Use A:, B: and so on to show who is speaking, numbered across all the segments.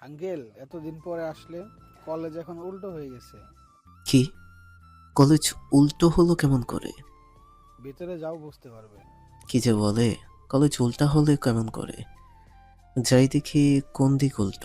A: Uncle, এতদিন পরে আসলে? কলেজ এখন উল্টো হয়ে গেছে।
B: কি? কলেজ উল্টো হলো কেমন করে?
A: ভিতরে যাও, বুঝতে পারবে।
B: কি যে বলে! কলেজ উল্টা হলে কেমন করে? যাই দেখি কোন দিক উল্টো।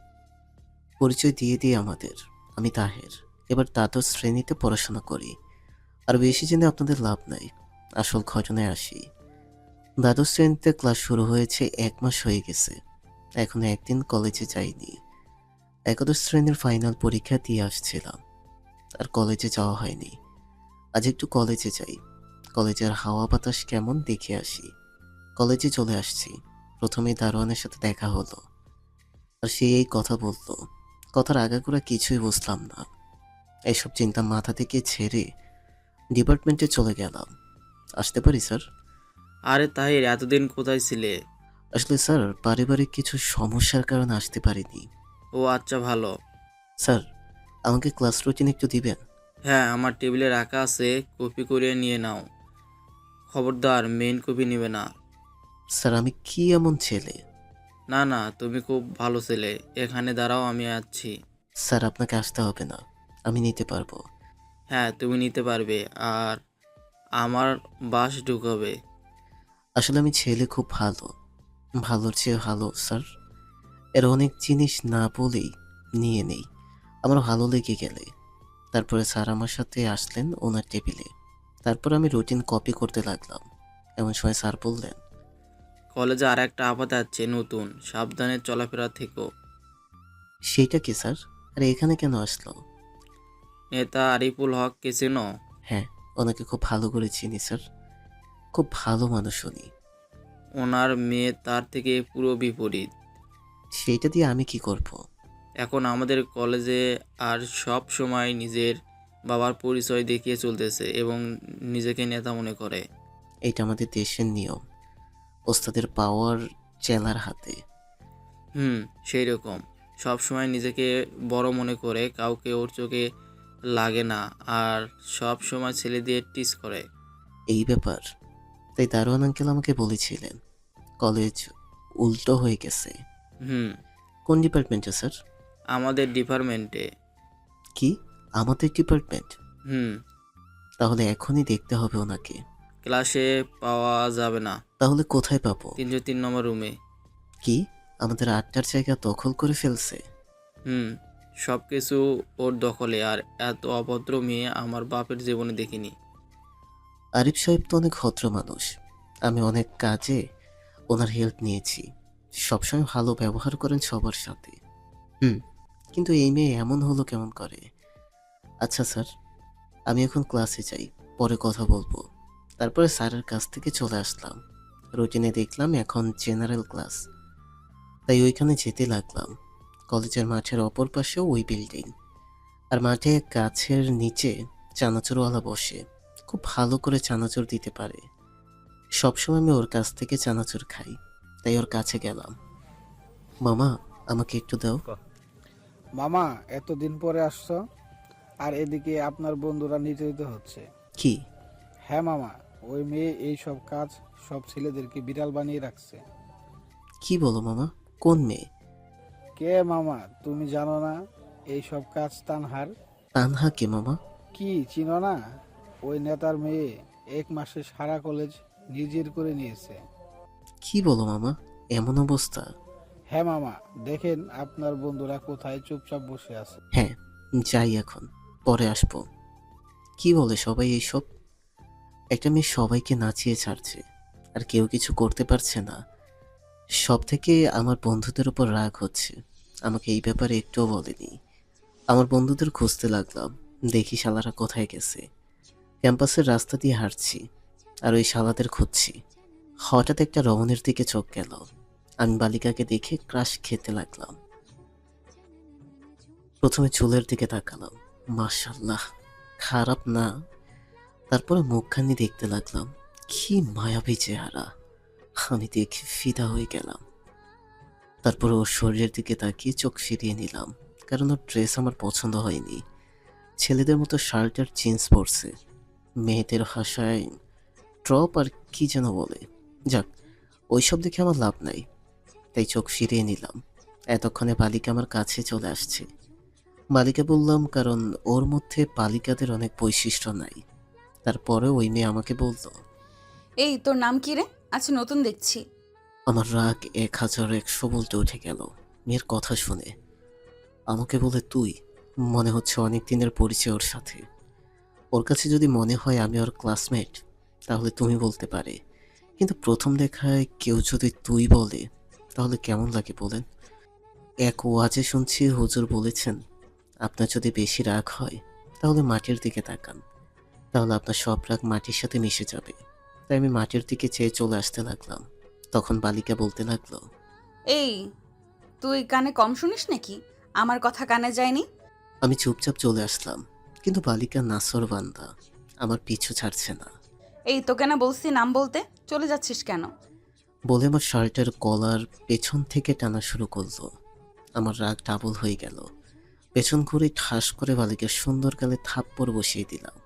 B: পরিচয় দিয়ে দিই আমাদের। আমি তাহের। এবার দ্বাদশ শ্রেণীতে পড়াশোনা করি। আর বেশি জেনে আপনাদের লাভ নাই। আসল ঘটনায় আসি। দ্বাদশ শ্রেণীতে ক্লাস শুরু হয়েছে 1 মাস হয়ে গেছে। এখনো একদিন কলেজে যাইনি। একাদশ শ্রেণীর ফাইনাল পরীক্ষা দিয়ে আসছিলাম। আর কলেজে যাওয়া হয়নি। আজ একটু কলেজে যাই। কলেজের হাওয়া বাতাস কেমন দেখে আসি। কলেজে চলে আসছি। প্রথমেই দারোয়ানের সাথে দেখা হলো। আর সে এই কথা বলল। কথার আগাগোড়া কিছুই বুঝলাম না। এইসব চিন্তা মাথা থেকে ছেড়ে ডিপার্টমেন্টে চলে গেলাম। আসতে পারি স্যার?
C: আরে তাহির, এতদিন কোথায় ছিলে?
B: আসলে স্যার, পারিবারিক কিছু সমস্যার কারণে আসতে পারিনি।
C: ও আচ্ছা, ভালো।
B: স্যার, আমাকে ক্লাস রুটিন একটু দিবেন?
C: হ্যাঁ, আমার টেবিলে রাখা আছে, কপি করে নিয়ে নাও। খবরদার, মেইন কপি নেবে না।
B: স্যার, আমি কি এমন ছেলে?
C: না না, তুমি খুব ভালো ছেলে। এখানে দাঁড়াও, আমি আছি।
B: স্যার, আপনাকে আসতে হবে না। আমি নিতে পারবো।
C: হ্যাঁ, তুমি নিতে পারবে। আর আমার বাস ঢুকাবে।
B: আসলে আমি ছেলে খুব ভালো। ভালোর চেয়ে ভালো স্যার। এর অনেক জিনিস না বলেই নিয়ে নেই। আমার ভালো লেগে গেলে। তারপরে স্যার আমার সাথে আসলেন ওনার টেবিলে। তারপর আমি রুটিন কপি করতে লাগলাম। এমন সময় স্যার বললেন,
C: কলেজে আর একটা আপাত আছে নতুন, সাবধানে চলাফেরা থেকো।
B: সেইটা কি স্যার? আরে এখানে কেন আসলো?
C: নেতা আরিফুল হক কে চেনো?
B: হ্যাঁ, ওনাকে খুব ভালো করে চিনি স্যার। খুব ভালো মানুষ উনি।
C: ওনার মেয়ে তার থেকে পুরো বিপরীত।
B: সেইটা দিয়ে আমি কি করব?
C: এখন আমাদের কলেজে আর সব সময় নিজের বাবার পরিচয় দেখিয়ে চলতেছে এবং নিজেকে নেতা মনে করে।
B: এইটা আমাদের দেশের নিয়ম। ওস্তাদের পাওয়ার চেলার হাতে।
C: হুম, সেই রকম। সব সময় নিজেকে বড় মনে করে, কাউকে ওর চোখে লাগে না, আর সব সময় ছেলে দিয়ে টিস করে।
B: এই ব্যাপার। তাই দারোয়ান আঙ্কেল আমাকে বলেছিলেন কলেজ উল্টো হয়ে গেছে।
C: হুম,
B: কোন ডিপার্টমেন্টে স্যার?
C: আমাদের ডিপার্টমেন্টে।
B: কি? আমাদের ডিপার্টমেন্ট?
C: হুম,
B: তাহলে এখনই দেখতে হবে ওনাকে।
C: ক্লাসে পাওয়া যাবে না।
B: তাহলে কোথায় পাবো?
C: 303 নম্বর রুমে।
B: কি? আমাদের আড্ডার জায়গা দখল করে ফেলছে?
C: হুম, সব কিছু ওর দখলে। আর এত অভদ্র মেয়ে আমার বাপের জীবনে দেখিনি।
B: আরিফ সাহেব তো অনেক ভদ্র মানুষ। আমি অনেক কাজে ওনার হেল্প নিয়েছি। সবসময় ভালো ব্যবহার করেন সবার সাথে। হুম, কিন্তু এই মেয়ে এমন হলো কেমন করে? আচ্ছা স্যার, আমি এখন ক্লাসে যাই। পরে কথা বলবো। তারপরে স্যারের কাছ থেকে চলে আসলাম। রুটিনে দেখলাম এখন জেনারেল ক্লাস। তাই ওইখানে যেতে লাগলাম। কলেজের মাঠের অপর পাশেও ওই বিল্ডিং। আর মাঠে গাছের নিচে চানাচুরওয়ালা বসে। খুব ভালো করে চানাচুর দিতে পারে। সবসময় আমি ওর কাছ থেকে চানাচুর খাই। তাই ওর কাছে গেলাম। মামা, আমাকে একটু দাও।
A: মামা, এতদিন পরে আসছো, আর এদিকে আপনার বন্ধুরা নির্যাতিত হচ্ছে।
B: কি?
A: হ্যাঁ মামা, ওই মেয়ে এই সব কাজ সব ছেলেদেরকে বিড়াল বানিয়ে রাখছে।
B: কি বলো মামা? কোন মেয়ে?
A: কে মামা, তুমি জানো না? এই সব কাজ তানহার।
B: তানহা কে মামা?
A: কি চিনো না? ওই নেতার মেয়ে। 1 মাসে সারা কলেজ নিজের করে নিয়েছে।
B: কি বলো মামা? এমন অবস্থা?
A: হ্যাঁ মামা, দেখেন আপনার বন্ধুরা কোথায় চুপচাপ বসে আছে।
B: হ্যাঁ, যাই এখন। পরে আসবো। কি বলে সবাই এইসব? একটা মেয়ে সবাইকে নাচিয়ে ছাড়ছে, আর কেউ কিছু করতে পারছে না। সব থেকে আমার বন্ধুদের উপর রাগ হচ্ছে। আমাকে এই ব্যাপারে একটুও বলেনি। আমার বন্ধুদের খুঁজতে লাগলাম। দেখি শালারা কোথায় গেছে। ক্যাম্পাসের রাস্তা দিয়ে হাঁটছি, আর ওই শালাদের খুঁজছি। হঠাৎ একটা রমণীর দিকে চোখ গেল। আমি বালিকাকে দেখে ক্রাশ খেতে লাগলাম। প্রথমে চুলের দিকে তাকালাম। মাশাল্লাহ, খারাপ না। তারপরে মুখখানি দেখতে লাগলাম। কি মায়াবী চেহারা! আমি দেখে ফিদা হয়ে গেলাম। তারপর ওর শরীরের দিকে তাকিয়ে চোখ ফিরিয়ে নিলাম, কারণ ওর ড্রেস আমার পছন্দ হয়নি। ছেলেদের মতো শার্ট আর জিন্স পরছে। মেয়েদের ভাষায় ট্রপ আর কি যেন বলে। যাক, ওইসব দেখে আমার লাভ নাই। তাই চোখ ফিরিয়ে নিলাম। এতক্ষণে বালিকা আমার কাছে চলে আসছে। বালিকা বললাম কারণ ওর মধ্যে বালিকাদের অনেক বৈশিষ্ট্য নাই। তারপরে ওই মেয়ে আমাকে বলল।
D: এই তোর নাম কি রে? আচ্ছা, নতুন দেখছি।
B: আমার রাগ 1100 বলতে উঠে গেল মেয়ের কথা শুনে। আমাকে বলে তুই, মনে হচ্ছে অনেক দিনের পরিচয় ওর সাথে। ওর কাছে যদি মনে হয় আমি ওর ক্লাসমেট তাহলে তুমি বলতে পারে, কিন্তু প্রথম দেখায় কেউ যদি তুই বলে তাহলে কেমন লাগে বলেন? এক ওয়াজে শুনছি হুজুর বলেছেন আপনার যদি বেশি রাগ হয় তাহলে মাটির দিকে তাকান, তাহলে আপনার সব রাগ মাটির সাথে মিশে যাবে। তাই আমি মাটির দিকে চেয়ে চলে আসতে লাগলাম। তখন বালিকা বলতে লাগলো।
D: এই, তুই কানে কম শুনিস নাকি? আমার কথা কানে যায়নি?
B: আমি চুপচাপ চলে আসলাম, কিন্তু বালিকা নাসরবান্দা আমার পিছু ছাড়ছে না।
D: এই, তোকে না বলছি নাম বলতে, চলে যাচ্ছিস কেন?
B: বলে আমার শার্টের কলার পেছন থেকে টানা শুরু করলো। আমার রাগ ডাবল হয়ে গেল। পেছন ঘুরে ঠাস করে বালিকার সুন্দর গালে থাপ্পড় বসিয়ে দিলাম।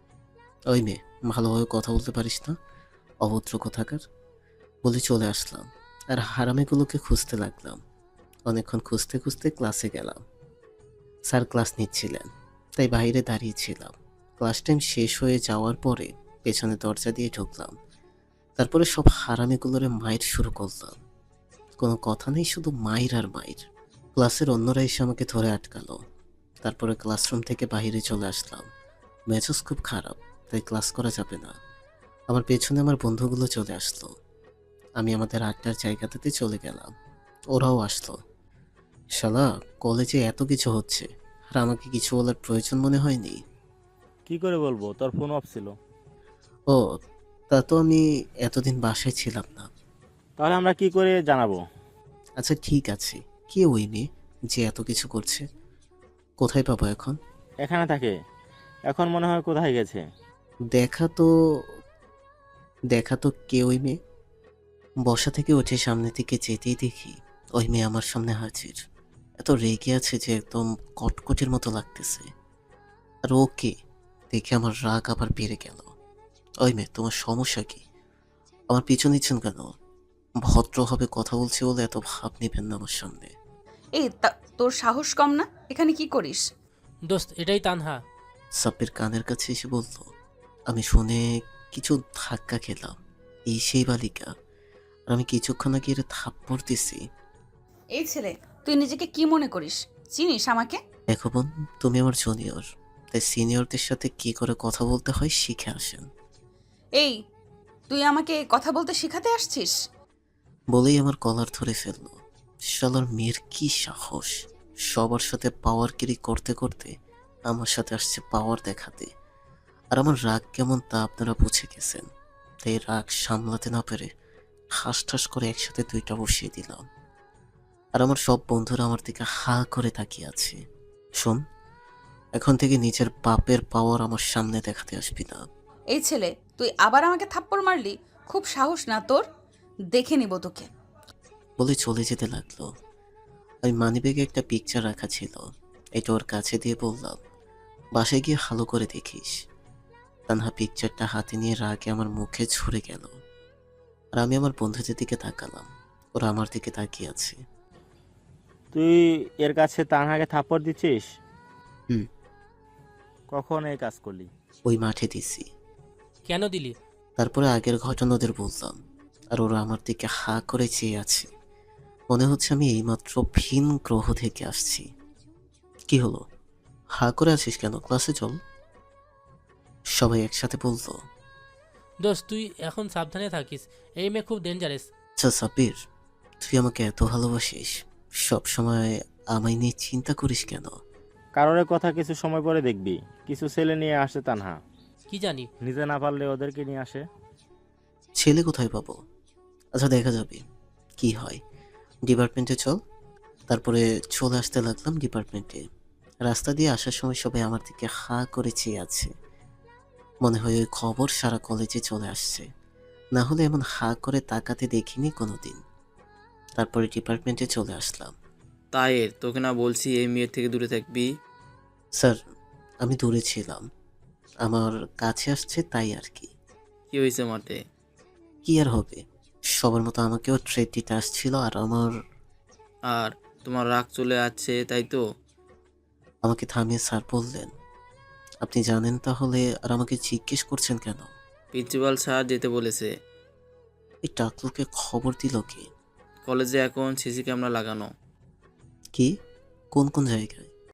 B: ওই মেয়ে, ভালোভাবে কথা বলতে পারিস না, অভদ্র কোথাকার, বলে চলে আসলাম আর হারামিগুলোকে খুঁজতে লাগলাম। অনেকক্ষণ খুঁজতে খুঁজতে ক্লাসে গেলাম। স্যার ক্লাস নিচ্ছিলেন, তাই বাইরে দাঁড়িয়েছিলাম। ক্লাস টাইম শেষ হয়ে যাওয়ার পরে পেছনে দরজা দিয়ে ঢুকলাম। তারপরে সব হারামিগুলোরে মাইর শুরু করলাম। কোনো কথা নেই, শুধু মাইর আর মাইর। ক্লাসের অন্যরা এসে আমাকে ধরে আটকালো। তারপরে ক্লাসরুম থেকে বাইরে চলে আসলাম। মেজাজ খুব খারাপ, তাই ক্লাস করা যাবে না। আমার পেছনে আমার বন্ধুগুলো চলে আসলো। আমি আমাদের আড্ডার জায়গাটাতে চলে গেলাম। ওরাও আসলো। শালা, কলেজে এত কিছু হচ্ছে আর আমাকে কিছু বলার প্রয়োজন মনে হয়নি।
E: কি করে বলবো, তোর ফোন অফ ছিল।
B: ও, তা তো আমি এতদিন বাসায় ছিলাম না।
E: তাহলে আমরা কি করে জানাবো?
B: আচ্ছা ঠিক আছে, কে ওই মেয়ে যে এত কিছু করছে? কোথায় পাবো এখন?
E: এখানে থাকে। এখন মনে হয় কোথায় গেছে।
B: দেখা তো দেখা তো কে ওই মেয়ে? বসা থেকে উঠে সামনের দিকে যেতেই দেখি ওই মেয়ে আমার সামনে হাজির। এত রেগে আছে যে একদম কটকটির মতো লাগতেছে। আর ওকে দেখে আমার রাগ আবার বেড়ে গেল। ওই মেয়ে, তোমার সমস্যা কি? আমার পিছু নিচ্ছেন কেন? ভদ্রভাবে কথা বলছি বলে এত ভাব নিবেন না আমার সামনে।
D: এই, তোর সাহস কম না? এখানে কি করিস?
F: দোস্ত, এটাই তানহা।
B: সাব্বির কানের কাছে এসে বলল। আমি শুনে কিছু ধাক্কা খেলাম। এই সেই বালিকা, আর আমি কিছুক্ষণ আগে এর থাপ্পড় দিছি।
D: এই ছেলে, তুই নিজেকে কি মনে করিস? চিনিস আমাকে?
B: দেখো বোন, তুমি আমার জুনিয়র, তাই সিনিয়রদের সাথে কি করে কথা বলতে হয় শিখে আসেন।
D: এই, তুই আমাকে কথা বলতে শেখাতে আসছিস?
B: বলেই আমার কলার ধরে ফেললো। শালার মেয়ের কি সাহস! সবার সাথে পাওয়ারগিরি করতে করতে আমার সাথে আসছে পাওয়ার দেখাতে। আর আমার রাগ কেমন তা আপনারা বুঝে গেছেন। তাই রাগ সামলাতে না পেরে ঠাস ঠাস করে একসাথে দুইটা বসিয়ে দিলাম। আর আমার সব বন্ধুরা আমার দিকে হা করে তাকিয়ে আছে। শোন, এখন থেকে নিজের বাপের পাওয়ার আমার সামনে দেখাতে আসবি না।
D: এই ছেলে, তুই আবার আমাকে থাপ্পড় মারলি? খুব সাহস না তোর? দেখে নিব তোকে।
B: বলে চলে যেতে লাগলো। আমি মানিব্যাগে একটা পিকচার রাখা ছিল, এটা ওর কাছে দিয়ে বললাম, বাসায় গিয়ে ভালো করে দেখিস। তানহা পিকচারটা হাতে নিয়ে রাগে আমার মুখে ছুঁড়ে গেল। আর আমি আমার বন্ধুদের দিকে তাকালাম, ওরা আমার দিকে তাকিয়ে আছে।
E: তুই এর কাছে তানহাকে থাপ্পড় দিচ্ছিস?
B: হুম।
E: কখন এই কাজ করলি?
B: ওই মাঠে দিছি।
F: কেন দিলি?
B: তারপরে আগের ঘটনা ওদের বললাম, আর ওরা আমার দিকে হা করে চেয়ে আছে। মনে হচ্ছে আমি এইমাত্র ভিন গ্রহ থেকে আসছি। কি হলো, হা করে আছিস কেন? ক্লাসে চল। সবাই একসাথে বললো।
F: দোস্ত, তুই এখন সাবধানে থাকিস। এই মেয়ে খুব ডেঞ্জারাস।
B: আচ্ছা সাব্বির, তুই আমাকে এত ভালোবাসিস, সব সময় আমায় নিয়ে চিন্তা করিস কেন?
E: কারোর কথা কিছু সময় পরে দেখবি। কিছু ছেলে নিয়ে আসে তানহা,
F: কি জানি।
E: নিজে না পারলে ওদেরকে নিয়ে আসে।
B: ছেলে কোথায় পাবো? আচ্ছা দেখা যাবে কি হয়। ডিপার্টমেন্টে চল। তারপরে চলে আসতে লাগলাম ডিপার্টমেন্টে। রাস্তা দিয়ে আসার সময় সবাই আমার দিকে হা করে চেয়ে আছে। মনে হয় ওই খবর সারা কলেজে চলে আসছে, না হলে এমন হা করে তাকাতে দেখিনি কোনোদিন। তারপরে ডিপার্টমেন্টে চলে আসলাম।
C: তায়ের, তোকে না বলছি এই মেয়ের থেকে দূরে থাকবি?
B: স্যার, আমি দূরে ছিলাম, আমার কাছে আসছে তাই আর কি।
C: কি হয়েছে মাঠে?
B: কি আর হবে, সবার মতো আমাকেও ট্রেড দিতে আসছিল। আর আমার
C: আর তোমার রাগ চলে আসছে তাই তো?
B: আমাকে থামিয়ে স্যার বললেন, আপনি জানেন তাহলে আর আমাকে জিজ্ঞেস করছেন কেন?
C: প্রিন্সিপাল স্যার যেতে বলেছে।
B: এই টাকলুকে খবর দিল কি?
C: কলেজে এখন সিসি ক্যামেরা লাগানো।
B: কি? কোন কোন জায়গায়?